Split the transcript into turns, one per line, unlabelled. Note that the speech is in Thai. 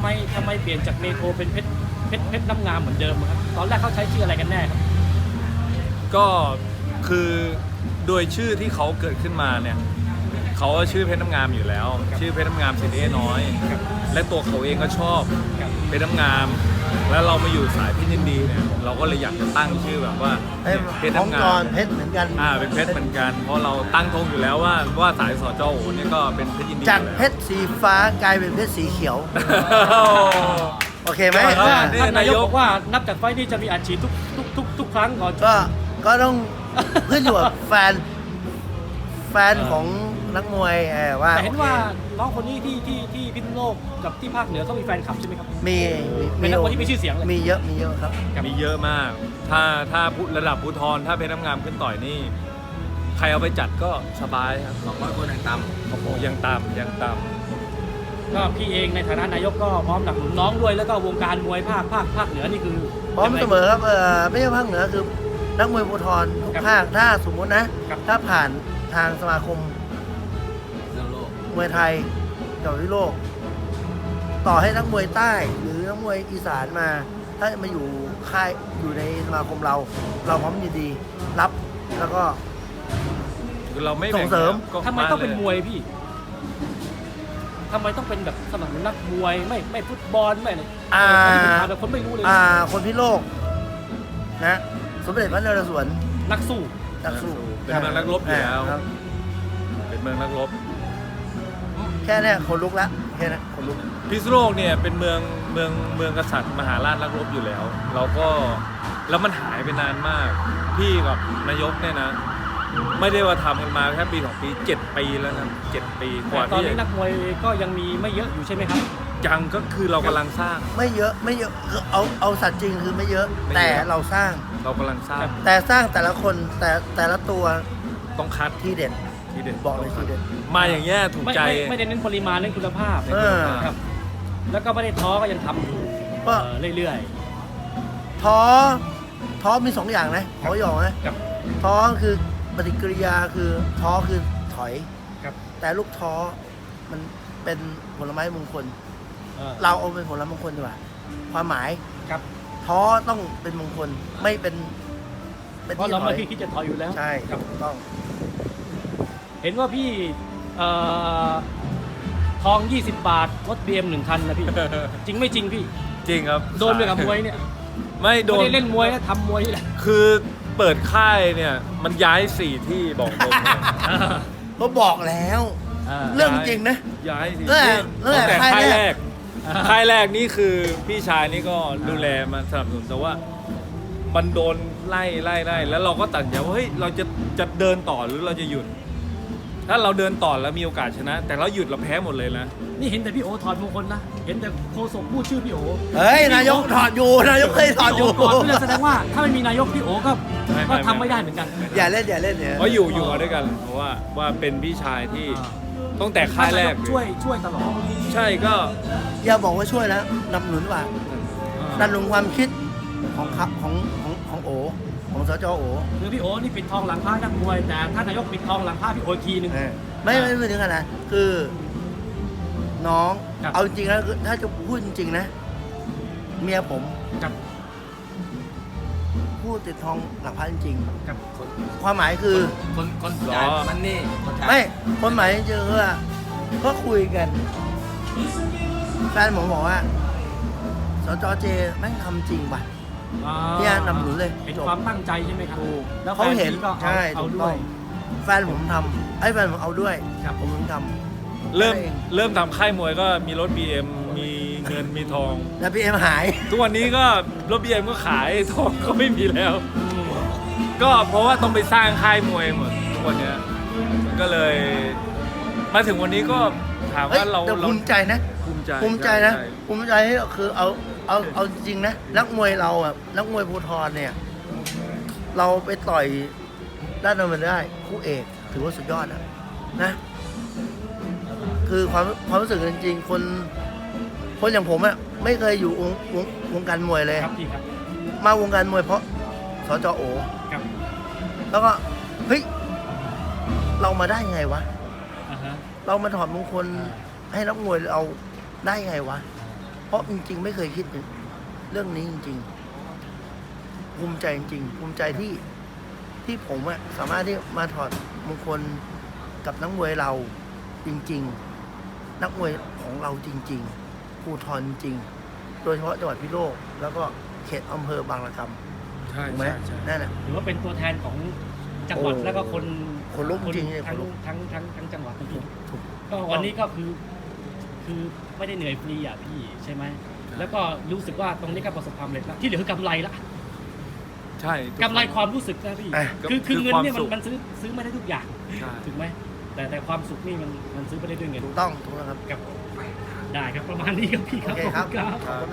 ไมเปลี่ยนจากเมโทรเป็นเพชรน้ำงามเหมือนเดิมครับตอนแรกเขาใช้ชื่ออะไรกันแน่ครับ
ก็คือโดยชื่อที่เขาเกิดขึ้นมาเนี่ยเขาชื่อเพชรน้ำงามอยู่แล้ว ชื่อเพชรน้ำงามสิทธิน้อย และตัวเขาเองก็ชอบเพชรน้ำงาม แล้วเรามาอยู่สายเพชรยินดีเนี่ยเราก็เลยอยากจะตั้งชื่อแบบว่าเพชร
ของ
น้ำ
ก
งาม
รเพชรเหมือนกัน
เป็นเพชรเหมือนกันเพราะเราตั้งธงอยู่แล้วว่าสายสจโอเนี่ยก็เป็นเพชรยินดี
จาก
อยู่แล้ว
เพชรสีฟ้ากลายเป็นเพชรสีเขียว โอเคไหม
ก็
ท่านนายกบอกว่านับจากไฟล์นี้จะมีอัดฉีดทุกครั้งก่อน
ก็ต้องขึ้นอยู่กับแฟนของนักมวยว่า
แต่เห็น
โอค
ว่าน้องคนนี้ที่พิษณุโลกกับที่ภาคเหนือเขามีแฟนคลับใช่ไหมครับ
มี
เป็นนักมวยที่มีชื่อเสียงเลย
มีเยอะครับ
มีเยอะมาก ถ้าระดับภูธรถ้าเพชรน้ำงามขึ้นต่อยนี่ ใครเอาไปจัดก็สบายครับ200 คนยังต่ำโอ้โหยังต่ำ
ก็พี่เองในฐานะนายกก็พร้อมสนับสนุนน้องด้วยแล้วก็วงการมวยภาคเหนือนี่คือ
พร้อมเสมอครับไม่ใช่ภาคเหนือคือนักมวยภูธรทุกภาคถ้าสมมตินะ ถ้าผ่านทางสมาคมมวยไทยกับวิโลก ต่อให้นักมวยใต้หรือนักมวยอีสานมา ถ้ามาอยู่ค่ายอยู่ในสมาคมเราพร้อมยินดีรับแล้วก็
คือเราไม่
ส่งเสริม
ก็
ทำไมต้องเป็นมวยพี่ทำไมต้องเป็นแบบสมัครนักมวยไม่ฟุตบอลไม่อะไรที่ผมถามแบบคนไม่รู้เลย
คนพิโลกนะสมเด็จพระนเรศวร
นักสู้
นักสู้
เป็นเมืองนักรบอยู่แล้ว
ครับ
เป็นเมืองนักรบ
แค่เนี้ยคนลุกละแค่นั้นคนลุก
พิษณุโลกเนี่ยเป็นเมืองกษัตริย์มหาราชนักรบอยู่แล้ว เราก็แล้วมันหายไปนานมาก พี่กับนายกเนี่ยนะ ไม่ได้ว่าทำกันมาแค่ปี2 ปี 7 ปีแล้วนะ7 ปีก
แต่
ว่า
ตอน
ที่
นี้นักมวยก็ยังมีไม่เยอะอยู่ใช่ไหมครับ
ยังก็คือเรากำลังสร้าง
ไม่เยอะคือเอาสัตว์จริงคือไม่เยอะ
ไม่เยอะ
แต่เราสร้าง
เรากำลังสร้าง
แต่สร้างแต่ละคนแต่ละตัว
ต้องคัด
ที่เด็ด
ทีเด็ด
บอกเลยทีเด็ด
มาอย่างเงี้ยถูกใจ
ไม่ได้เน้นปริมาณเน้นคุณภาพ
เออ
ครับแล้วก็ไม่ได้ท้อก็ยังทำอยู่
ก็
เรื่อย
ท้อมี2 อย่างนะขอหยอกนะ
ๆกับ
ท้อคือปฏิกิริยาคือท้อคือถอย
ครับ
แต่ลูกท้อมันเป็นผลไม้มงคล
เอ่อ
เราเอาเป็นผลไม้มงคลดีกว่าความหมาย
ครับ
ท้อต้องเป็นมงคลไม่เป็น
เพราะ
ที่
เรา
ถ
ไม่
อย
คิดจะถอยอยู่แล้ว
ใช่
ครับ
ถูกต้อง
เห็นว่าพี่ทอง 20 บาทรถ BM 1 คันนะพี่ จริงไม่จริงพี่
จริงครับ
โดนไปกับมวยเนี่ย
ไม่โด
ไม่
น
ได้เล่นมวยนะทำมวยนี่แหละ
คือเปิดค่ายเนี่ยมันย้าย4 ที่บอกตรงเลย
ก็บอกแล้ว เรื่องจริงนะ
ย้าย4
เออ
ที่
เออ
ตั้งแต่
ค่าย
ค่าย
แร
แร
ก
กค่ายแรกนี่คือพี่ชายนี่ก็ดูแลมาสนับสนุนแต่ว่ามันโดนไล่แล้วเราก็ตัดสินใจว่าเฮ้ยเราจะเดินต่อหรือเราจะหยุด ถ้าเราเดินต่อแล้วมีโอกาสชนะ แต่เราหยุดเราแพ้หมดเลยนะ
นี่เห็นแต่พี่โอถอดมงคลนะ เห็นแต่โฆษกพูดชื่อพี่โอ
เฮ้ยนายกถอดอยู่นายกเคยถอดอยู่
พี่โก่อนพี่เลยแสดงว่าถ้าไม่มีนายกพี่โอก็
ไม่
ก็ทำไม่ได้เหมือนกัน
อย่าเล่นเนี่ย
เพราะอยู่มาด้วยกันเพราะว่าเป็นพี่ชายที่ตั้งแต่ค่ายแรกเลย
ช่วยตลอด
ใช่ก็
อย่าบอกว่าช่วยนะนำหนุนว่าดันลงความคิดของโอของสจโอ
คือพี่โอนี่ปิดทองหลังพระนักมวยแต่ถ้านายกปิดทองหลังพระพี่โออีกทีนึง
ไม่ถึงขนาดนั้นคือน้อง
ครับ
เอาจริงๆแล้วคือถ้าจะพูดจริงๆนะ เมียผม
กับ
พูดติดทองหลังพระจริง
กับ
ๆความหมายคือ
คน
หร
จ่าย
อ
มันนี่คนจ่าย
ไม่ความหมายจริงๆคือว่าก็คุยกันแฟนผมบอกว่าสจเจแม่งทำจริงป่ะ เนี่ยนำหนุนเลย
เห็นความตั้งใจใช่ไหมครับ
ถูก
แล้ว
เขาเห็น
แฟพี่ก็
ใช่
เอา
ถูก
ด้
ต้
ว
อย งแฟนผมทำแฟนผมเอาด้วย
ครับ
ผมถึงท
เริ่ม
ใช่
เริ่มทำค่ายมวยก็มีรถ BM มีเงินมีทอง
ำแล้วพี่เอ็มหาย
ทุกวันนี้ก็รถ BM ก็ขายทองก็ไม่มีแล้ว ก็เพราะว่าต้องไปสร้างค่ายมวยหมดทุกวันเนี้ยมันก็เลย มาถึงวันนี้ก็ถาม
เฮ้ย
ว่าเรา
แต่ภูมิใจนะ
ภูมิใจ
ภูมิใจนะ
ช่
ภูมิใจที่คือเอาจริงๆนะนักมวยเราอ่ะนักมวยภูธรเนี่ย เราไปต่อยด้านนั้นมันได้คู่เอกถือว่าสุดยอดนะ คือความรู้สึกจริงๆคนอย่างผมอ่ะไม่เคยอยู่วงการมวยเลย
ครับพี่ครับ
มาวงการมวยเพราะสจโอ
ครับ
แล้วก็เฮ้ยเรามาได้ไงวะ
อ่าฮะ
เรามาถอดมงคลให้นักมวยเราได้ไงวะเพราะจริงๆไม่เคยคิดถึงเรื่องนี้จริงๆภูมิใจจริงๆภูมิใจที่ผมอะสามารถที่มาถอดมงคลกับนักมวยเราจริงๆ นักมวยของเราจริงๆภูธรจริงโดยเฉพาะจังหวัดพิษณุโลกแล้วก็เขตอำเภอบางระกำ
ใช่
ถูกไหม
ใช่
นั่นแหละ
หรือว่าเป็นตัวแทนของจังหวัด
โอ้
แล้วก็คน
คนลุกจริงๆเนี่ย
ทั้
คนลุก
ทั้งจังหวัดทั้ง
ถูก
ก็วันนี้ก็คือไม่ได้เหนื่อยฟรีอ่ะพี่ใช่ไหมแล้วก็รู้สึกว่าตรงนี้ก็ประสบความสำเร็จแล้วที่เหลือคือกำไรละ
ใช่ทุ
กำไรความรู้สึกนะพี่
อ่ะ
คือเงินเนี่ย
ความสุข
มันซื้อไม่ได้ทุกอย่าง
ใช่
ถูกไหมแต่ความสุขนี่มันซื้อไม่ได้ด้วยเงิน
ถูกต้องถูกต้องครับ
ครับได้ครับประมาณนี้ครับพี่ค
โอ
รับ
เค
ขอบ
ครับ
คุณครับ
ขอบคุณ